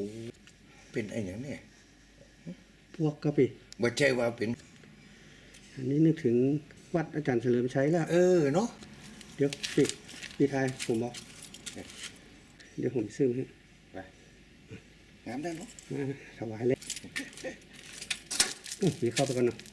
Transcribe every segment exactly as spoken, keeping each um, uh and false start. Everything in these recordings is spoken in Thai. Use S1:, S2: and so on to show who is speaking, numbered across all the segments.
S1: เป็นไอ้อย่างเนี่ย
S2: พวกกะปิ
S1: บ่ใช่ว่าเป็น
S2: อันนี้นึกถึงวัดอาจารย์เฉลิมชัยแล้ว
S1: เออเนาะ
S2: เดี๋ยวปิดปีไทยผมบอกเดี๋ยวผมซื้อให้
S1: ไปงามได้เนาะ
S2: ถวายเลยมีเข้าไปก่อนเนาะ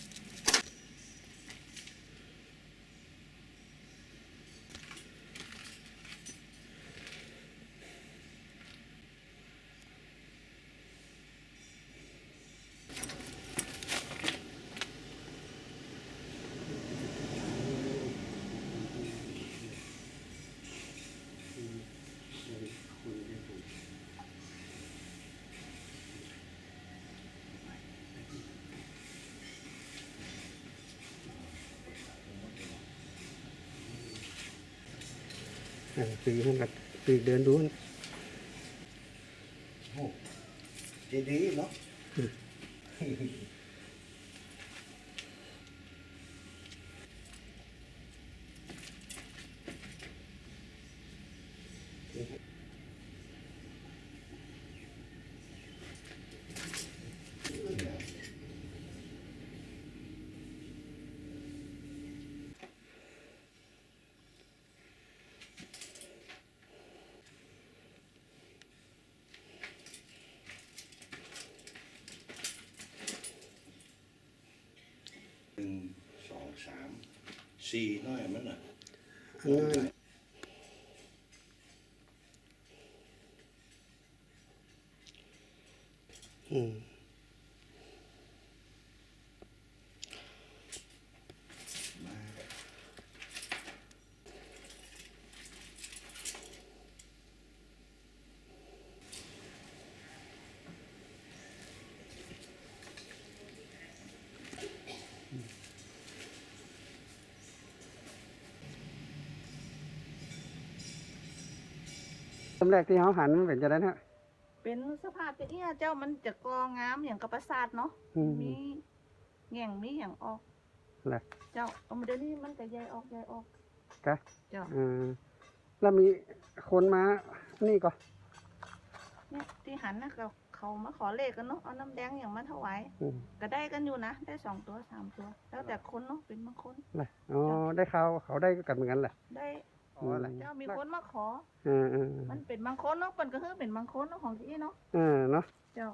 S2: ปีห้องกัดปีเดินดูนะ
S1: โอ้ดีดีเนาะหนึ่งสองสามสี่น้อยมันอ่ะ
S2: อันนั้นอืมตำแรกที่เขาหันมันเป็นจะได้ฮะ
S3: เป็นสภาพจะเอี้ยเจ้ามันจะกองามอย่างกับประสาทเนาะมีแง่งมีอย่างออก
S2: แหละ
S3: เจ้าเอามาเดี๋ยวนี้มันก็ใหญ่ออกใหญ่ออก
S2: กะ
S3: เจ้า
S2: อ่าแล้วมีคนมานี่ก็
S3: เนี่ยที่หันนะเขาเขามาขอเลขกันเนาะเอาน้ำแดงอย่างมาถวายก็ได้กันอยู่นะได้สองตัวสามตัวแล้วแต่คนเนาะเป็นบางคน
S2: แหละอ๋อได้ข่าวเขาได้กันเหมือนกันแหละ
S3: ได้เจ้ามีคนมาขอมันเป็นบางคนเนาะเป็นก็คือเป็นบางคนเนาะของที่เนาะ
S2: เออเนาะ
S3: เจ้า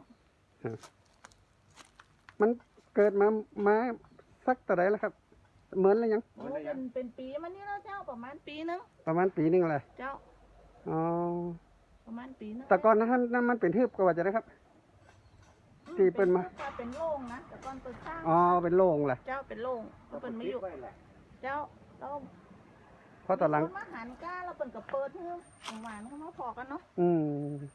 S2: มันเกิดมามาสักแต่ไหนแล้วครับเหมือนอะไรยัง
S3: เป็นเป็นปีมันนี่แล้วเจ้าประมาณปีนึง
S2: ประมาณปีนึงอะไร
S3: เจ้า
S2: อ๋อ
S3: ประมาณปีนึง
S2: แต่ก่อนนั้นนั่นมันเป็นทืบก็ว่าจะได้ครับที่เป็นมา
S3: เป็นโล่งนะแต่ก่อนเปิดสร้าง
S2: อ๋อเป็นโล่งแหละ
S3: เจ้าเป็นโล่งก็เป็นไม่อยู่เจ้าเรา
S2: เพราะตอนหลัง
S3: มาหันก้าเราเป็นกับเปิดเพื่อหวานเขามาพอกันเนาะ
S2: อืม